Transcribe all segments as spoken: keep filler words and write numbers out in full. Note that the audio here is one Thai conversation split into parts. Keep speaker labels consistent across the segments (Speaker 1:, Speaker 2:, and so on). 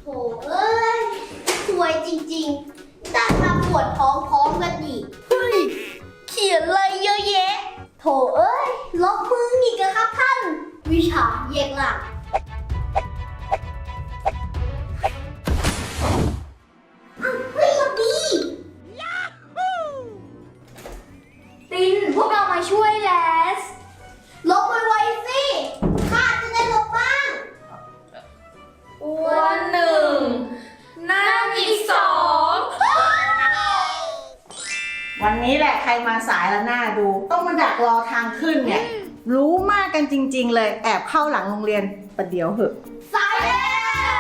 Speaker 1: โถเอ้ยสวยจริงๆได้มาปวดท้องพร้อมกันอีกเฮ้ยเขียนอะไรเยอะแยะโถเอ้ยลบมืออีกครับท่านวิชาแยกหลังเฮ้ยดี
Speaker 2: ตินพวกเรามาช่วยแลส
Speaker 1: ลบไวๆสิข้าจะได้ลบบ้าง
Speaker 2: วันหนึ่งนั่งอีกสอง
Speaker 3: วันนี้แหละใครมาสายแล้วหน้าดู ต้องมาดักรอทางขึ้นเนี่ย รู้มากกันจริงๆเลยแอบเข้าหลังโรงเรียนประเดี๋ยวเหอะ
Speaker 1: สายแล้ว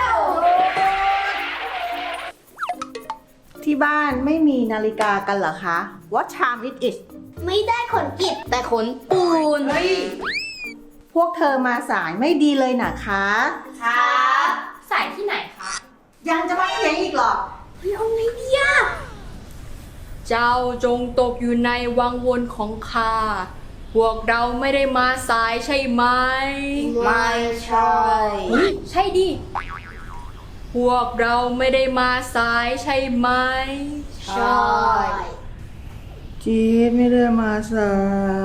Speaker 3: ที่บ้านไม่มีนาฬิกากันเหรอคะ What time it is
Speaker 1: ไม่ได้ขนกิจ
Speaker 2: แต่ขนปูน
Speaker 3: เฮ้ยพวกเธอมาสายไม่ดีเลยนะคะ
Speaker 2: ครับสายที่ไหนคะ
Speaker 3: ยังจะมาเถียงอีกเหรอ
Speaker 1: เฮ้ยเอาไงดีอะ
Speaker 2: เจ้าจงตกอยู่ในวังวนของข้าพวกเราไม่ได้มาสายใช่ไหม
Speaker 1: ไม่ใช่
Speaker 2: ใช่ดิ พวกเราไม่ได้มาสายใช่ไหม
Speaker 1: ใช่
Speaker 3: จีดไม่ได้มาสาย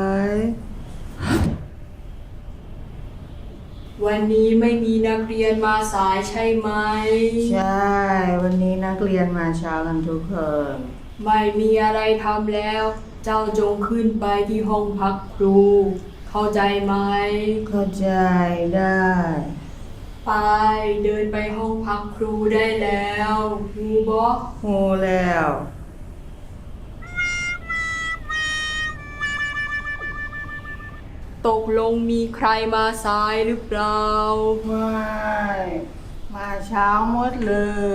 Speaker 2: วันนี้ไม่มีนักเรียนมาสายใช่ไหม
Speaker 3: ใช่ วันนี้นักเรียนมาเช้ากันทุกคน
Speaker 2: ไม่มีอะไรทำแล้ว เจ้าจงขึ้นไปที่ห้องพักครู เข้าใจไหม
Speaker 3: เข้าใจได้
Speaker 2: ไปเดินไปห้องพักครูได้แล้วฮูบอ
Speaker 3: โหแล้ว
Speaker 2: ตกลงมีใครมาสายหรือเปล่า
Speaker 3: ไม่มาเช้าหมดเลย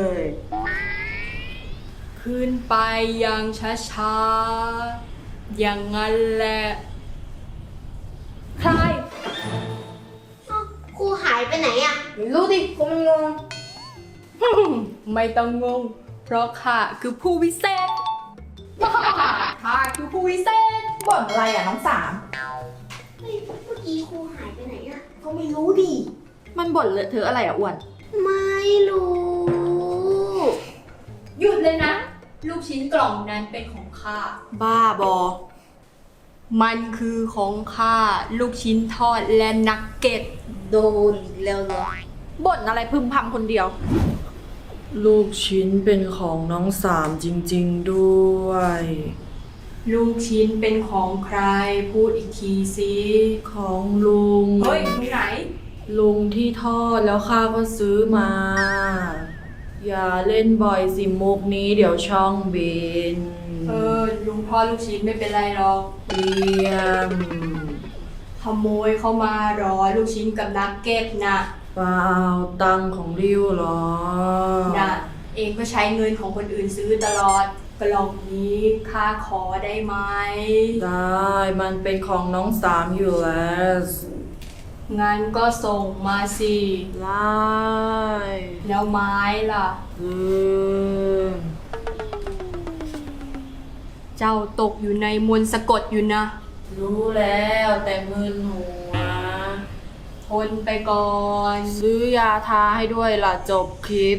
Speaker 2: ขึ้นไปอย่างช้าๆ อย่างนั้นแหละ ใคร
Speaker 1: เอ้าครูหายไปไหนอะ
Speaker 2: ไม่รู้ดิกูมันงง ไม่ต้องงง เพราะข้าคือผู้วิเศษ ข้าคือผู้วิเศษ
Speaker 4: บ่นอะไรอ่ะน้องสาม
Speaker 1: เฮ้ยเมื่อกี้ครูหายไปไหนอะก็ไม่รู้ดิ
Speaker 4: มันบ่นเลอะเธอะอะไรอ่ะอ้วน
Speaker 1: ไม่รู้
Speaker 2: หยุดเลยนะ ลูกชิ้นกล่องนั้นเป็นของข้า
Speaker 4: บ้าบอ
Speaker 2: มันคือของข้า ลูกชิ้นทอดและนักเก็ต
Speaker 1: โดนแล้วเหรอ
Speaker 4: บ่นอะไรพึมพำคนเดียว
Speaker 5: ลูกชิ้นเป็นของน้องสามจริงๆด้วย
Speaker 2: ลูกชิ้นเป็นของใคร พูดอีกทีสิ
Speaker 5: ของลุง
Speaker 2: เฮ้ยมึงไหน
Speaker 5: ลุงที่ทอดแล้วข้าก็ซื้อมา อย่าเล่นบ่อยสิมุกนี้เดี๋ยวช่องบิน
Speaker 2: เออ ลุงทอดลูกชิ้นไม่เป็นไรหรอก
Speaker 5: เตรียม
Speaker 2: ขโมยเข้ามารอลูกชิ้นกับนักเก็ตนะ
Speaker 5: เปล่าตังค์ของริ้วเหรอ
Speaker 2: นะเองก็ใช้เงินของคนอื่นซื้อตลอด กล่องนี้ข้าขอได้ไหม
Speaker 5: ได้มันเป็นของน้องสามอยู่แล้ว
Speaker 2: งั้นก็ส่งมาสิ
Speaker 5: ไล่
Speaker 2: แล้วไม้ล่ะ
Speaker 5: ลืม
Speaker 2: เจ้าตกอยู่ในมนต์สะกดอยู่นะ
Speaker 5: รู้แล้วแต่มึนหัว
Speaker 2: ทนไปก่อน
Speaker 5: ซื้อยาทาให้ด้วยล่ะจบคลิป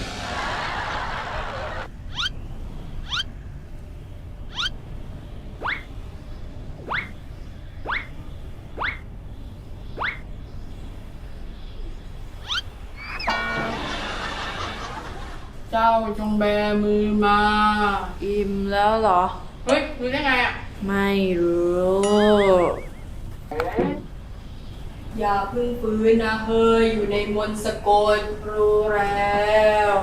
Speaker 2: เจ้าจงแบมือมา
Speaker 5: อิ่มแล้วเหรอ
Speaker 2: เฮ้ยรู้ได้ไงอ่ะ
Speaker 5: ไม่รู้
Speaker 2: อย่าเพึ่งฟื้นนะเฮ้ย อยู่ในมนต์สะกด
Speaker 5: รู้แล้ว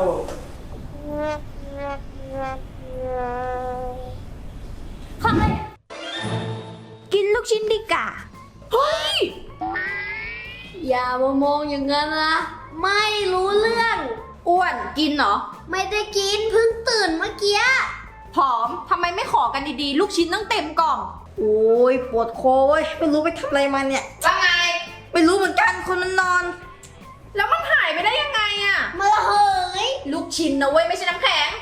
Speaker 1: ใครกินลูกชิ้นดีกว่าเฮ้ย อย่ามามองอย่างนั้นนะ ไม่รู้เรื่อง
Speaker 4: อ้วนกินเหรอ
Speaker 1: ไม่ได้กินเพิ่งตื่นเมื่อกี้
Speaker 4: ผอมทำไมไม่ขอกันดีๆ ลูกชิ้นตั้งเต็มกล่อง
Speaker 3: โอ้ยปวดคอเว้ยไม่รู้ไปทำอะไรมาเนี่ย
Speaker 4: ว่าไง
Speaker 3: ไม่รู้เหมือนกันคนมันนอน
Speaker 4: แล้วมันหายไปได้ยังไงอ่ะ
Speaker 1: มาละเหย
Speaker 4: ลูกชิ้นนะเว้ยไม่ใช่น้ำแข็ง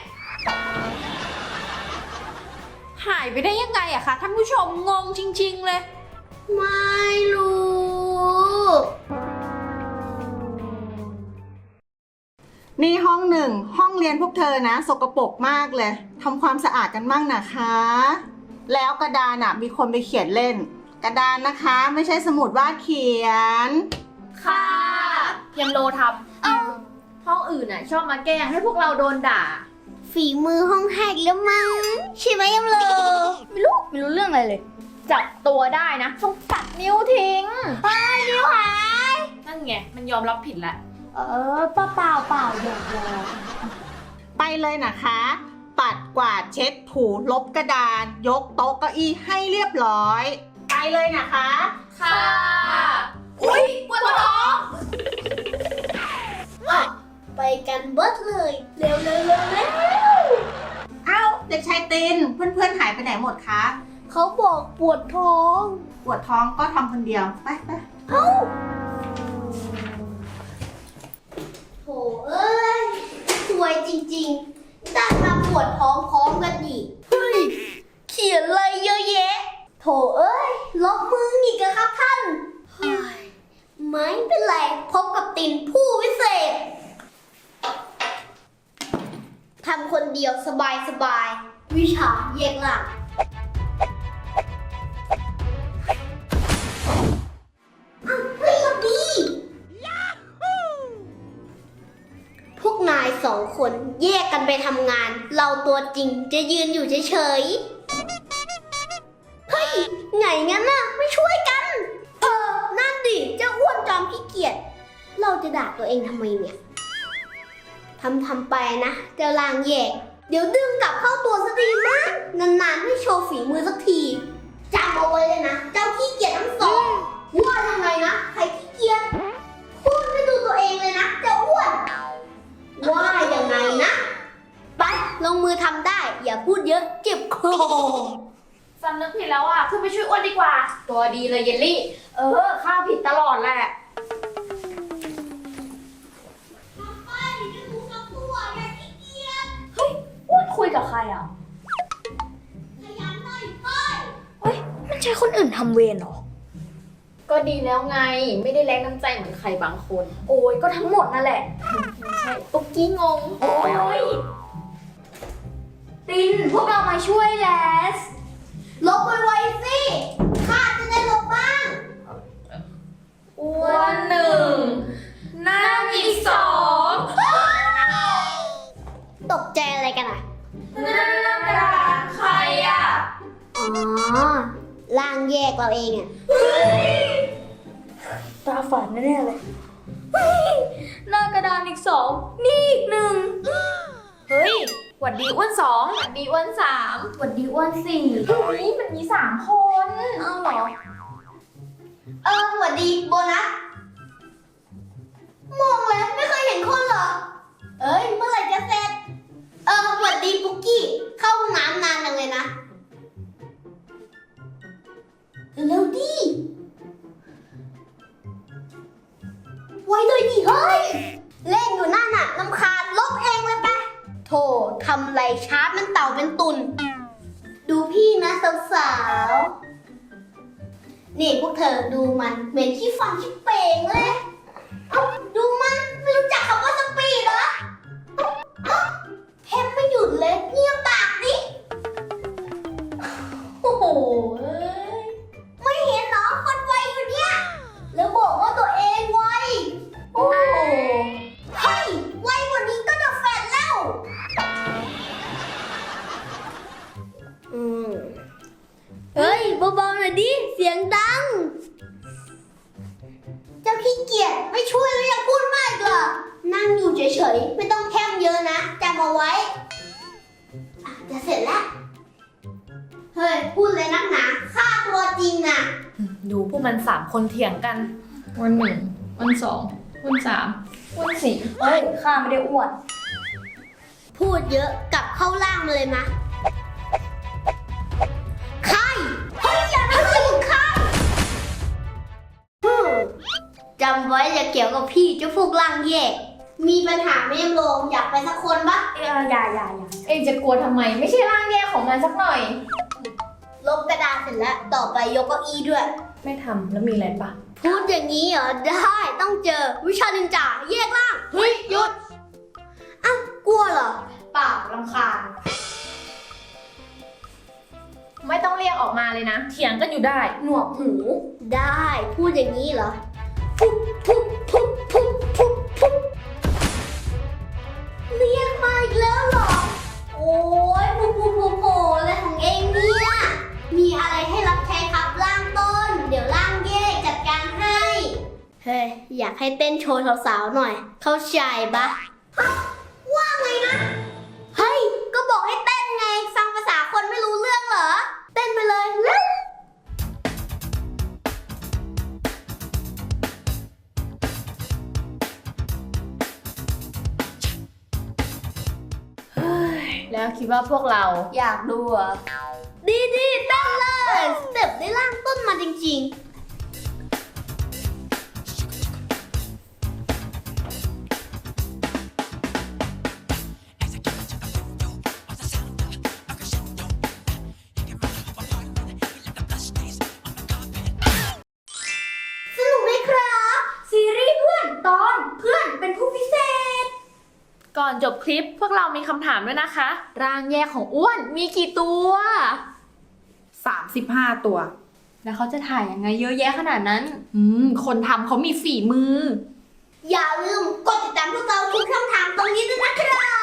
Speaker 4: หายไปได้ยังไงอะคะท่านผู้ชมงงจริงๆเลย
Speaker 1: ไม่รู้
Speaker 3: นี่ห้องหนึ่งห้องเรียนพวกเธอนะสกปรกมากเลยทำความสะอาดกันบ้างนะคะ แล้วกระดานอ่ะมีคนไปเขียนเล่น กระดานนะคะไม่ใช่สมุดวาดเขียน
Speaker 4: ค่ะยำโลทำเอ้าห้องอื่นน่ะชอบมาแกล้งให้พวกเราโดนด่า
Speaker 1: ฝีมือห้องแหกแล้วมั้งใช่ไหมยำโล
Speaker 2: ไม่รู้ ไม่รู้เรื่องอะไรเลย
Speaker 4: จับตัวได้นะต้องตัดนิ้วทิ้ง
Speaker 1: นิ้วหาย
Speaker 4: นั่นไงมันยอมรับผิดแล้ว
Speaker 1: เออเปล่าเปล่าเปล่าหยอกหยอก
Speaker 3: ไปเลยนะคะ ปัดกวาดเช็ดถูลบกระดาน ยกโต๊ะเก้าอี้ให้เรียบร้อย ไปเลยนะคะ
Speaker 4: ค่ะ อุ้ยปวดท้อง
Speaker 1: ไปกันเบิดเลย เร็วเร็วเร็วเร็ว
Speaker 3: เอ้าเด็กชายตินเพื่อนๆหายไปไหนหมดคะ
Speaker 1: เขาบอกปวดท้อง
Speaker 3: ปวดท้องก็ทำคนเดียวไปไป
Speaker 1: โถเอ้ยสวยจริงๆได้มาปวดท้องพร้อมกันอีกเฮ้ยเขียนอะไรเยอะแยะโถเอ้ยลบมืออีกอะครับท่านเฮ้ยไม่เป็นไรพบกับตินผู้วิเศษทำคนเดียวสบายสบายๆวิชาแยกล่างอ้าวเฮ้ยสวัสดี พวกนายสองคนแยกกันไปทำงาน เราตัวจริงจะยืนอยู่เฉยๆ เฮ้ย ไงงั้นน่ะ ไม่ช่วยกัน เออ นั่นดิ เจ้าอ้วนจอมขี้เกียจ เราจะด่าตัวเองทำไมเนี่ย ทำทำไปนะเจ้าลางแยก เดี๋ยวดึงกลับเข้าตัวสักทีนะนานๆไม่โชว์ฝีมือสักทีจำเอาไว้เลยนะ เจ้าขี้เกียจทั้งสองว่ายังไงนะ ใครขี้เกียจ พูดไม่ดูตัวเองเลยนะเจ้าอ้วน ว่ายังไงนะ ไป ลงมือทำได้ อย่าพูดเยอะเจ็บคอ
Speaker 4: สำนึกผิดแล้วอ่ะขึ้นไปช่วยอ้วนดีกว่า ตัวดีเลยเยลลี่ เออข้าผิดตลอดแหละ
Speaker 1: ไปจะถูกกับตัวอย่าขี้เกียจ
Speaker 2: อ้วนคุยกับใครอ่ะ
Speaker 1: ขยันหน่อยไป
Speaker 2: เฮ้ย มันใช่คนอื่นทำเวรเหรอ
Speaker 4: ก็ดีแล้วไง ไม่ได้แรงน้ำใจเหมือนใครบางคน
Speaker 2: โอ้ย ก็ทั้งหมดนั่นแหละ
Speaker 4: ไม่ใช่ตุ๊กกี้งง
Speaker 2: โอ้ย ติน พวกเรามาช่วยแลส
Speaker 1: ลบไวๆสิข้าจะได้ลบบ้าง
Speaker 4: อ้วนหนึ่งนั่งอีกสอง
Speaker 1: ตกใจอะไรกันอ่ะ
Speaker 4: นั่นกระดานใครอ่ะ
Speaker 1: อ๋อล่างแยกเราเองอ่ะ
Speaker 2: ตาฝันแน่ๆเลย หน้ากระดานอีกสอง นี่อีกหนึ่ง
Speaker 4: เฮ้ยหวัดดีอ้วนสองหวัดดีอ้วนสาม
Speaker 2: หวัดดีอ้วนสี่
Speaker 4: เฮ้ยมันมีสามคน
Speaker 1: เอาเหรอ เออสวัสดีโบนัส มองแล้วไม่เคยเห็นคนเหรอ เอ้ย เมื่อไหร่จะเสร็จ เออสวัสดีปุ๊กกี้ เข้าห้องน้ำนานจังเลยนะ เร็วดิ ไว้เลยดิเฮ้ย เล่นอยู่นั่นน่ะลำคาญลบเองเลยไปะโธ่ทำไรชาร์จมันเต่าเป็นตุน ดูพี่นะสาวๆ นี่พวกเธอดูมันเหม็นขี้ฟันขี้เป่งเลย เอ้าดูมันไม่รู้จักคำว่าสปีดเหรอเอ้าแทบไม่หยุดเลยเงียบปากดิ โอ้โหเอ้ยไม่เห็นเหรอคนไวอยู่เนี่ย แล้วบอกว่าตัวเองไว โอ้โหเฮ้ยไวกว่านี้ก็จะแฟนแล้ว อืม เฮ้ยเบาๆหน่อยดิ เสียงดัง เจ้าขี้เกียจไม่ช่วยแล้วยังพูดมากอีกเหรอ นั่งอยู่เฉยๆ ไม่ต้องแคมเยอะนะจำเอาไว้อ่ะจะเสร็จแล้ว เฮ้ย พูดเลยนักหนาค่าตัวจริงน่ะ
Speaker 4: ดูพวกมันสามคนเถียงกัน
Speaker 5: วันหนึ่งวันสองวันสามวันสี่
Speaker 2: เฮ้ย ข้าไม่ได้อ้วน
Speaker 1: พูดเยอะกลับเข้าล่างมาเลยนะใครเฮ้ยอย่าทำถึงใครฮึ่มจำไว้อย่าเกี่ยวกับพี่เจ้าพวกล่างแยก มีปัญหาไม่ยอมลงอยากไปสักคนปะ
Speaker 2: เอออย่าอย่าอย่า
Speaker 4: เองจะกลัวทำไม ไม่ใช่ร่างแย่ของมันสักหน่อย
Speaker 1: ลบกระดาษเสร็จแล้ว ต่อไปยกเก้าอี้ด้วย
Speaker 4: ไม่ทำแล้วมีอะไรปะ
Speaker 1: พูดอย่างนี้เหรอ ได้ต้องเจอวิชานินจาแยกล่าง
Speaker 4: เฮ้ยหยุดเลยนะ เถียงกันอยู่ได้
Speaker 1: หนวกหู ได้ พูดอย่างนี้เหรอปุ๊บปุ๊บปุ๊บปุ๊บปุ๊บปุ๊บเรียกมาอีกแล้วเหรอ โอ้ยปุ๊บปุ๊บปุ๊บโผอะไรของเองเนี่ย มีอะไรให้รับใช้ครับล่างต้น เดี๋ยวล่างแยกจัดการให้ เฮ้ย อยากให้เต้นโชว์สาวๆหน่อย เข้าใจปะฮะว่าไงนะ เฮ้ย ก็บอกให้เต้นไง ฟังภาษาคนไม่รู้เรื่องเหรอ เต้นไปเลยเร็ว
Speaker 4: แล้วคิดว่าพวกเรา
Speaker 1: อยากดูเหรอ่ะ ดีดีๆเต้นเลยสเต็ปได้ล่างต้นมาจริงๆ สนุกไหมครับ ซีรีส์เพื่อนตอนเพื่อนเป็นผู้พิเศษ
Speaker 4: ก่อนจบคลิปพวกเรามีคำถามด้วยนะคะ ร่างแยกของอ้วนมีกี่ตัว
Speaker 5: สามสิบห้าตัว
Speaker 2: แล้วเขาจะถ่ายยังไงเยอะแยะขนาดนั้น
Speaker 5: อืม คนทำเขามีฝีมือ
Speaker 1: อย่าลืมกดติดตามพวกเราทุกช่องทางตรงนี้ด้วยนะครับ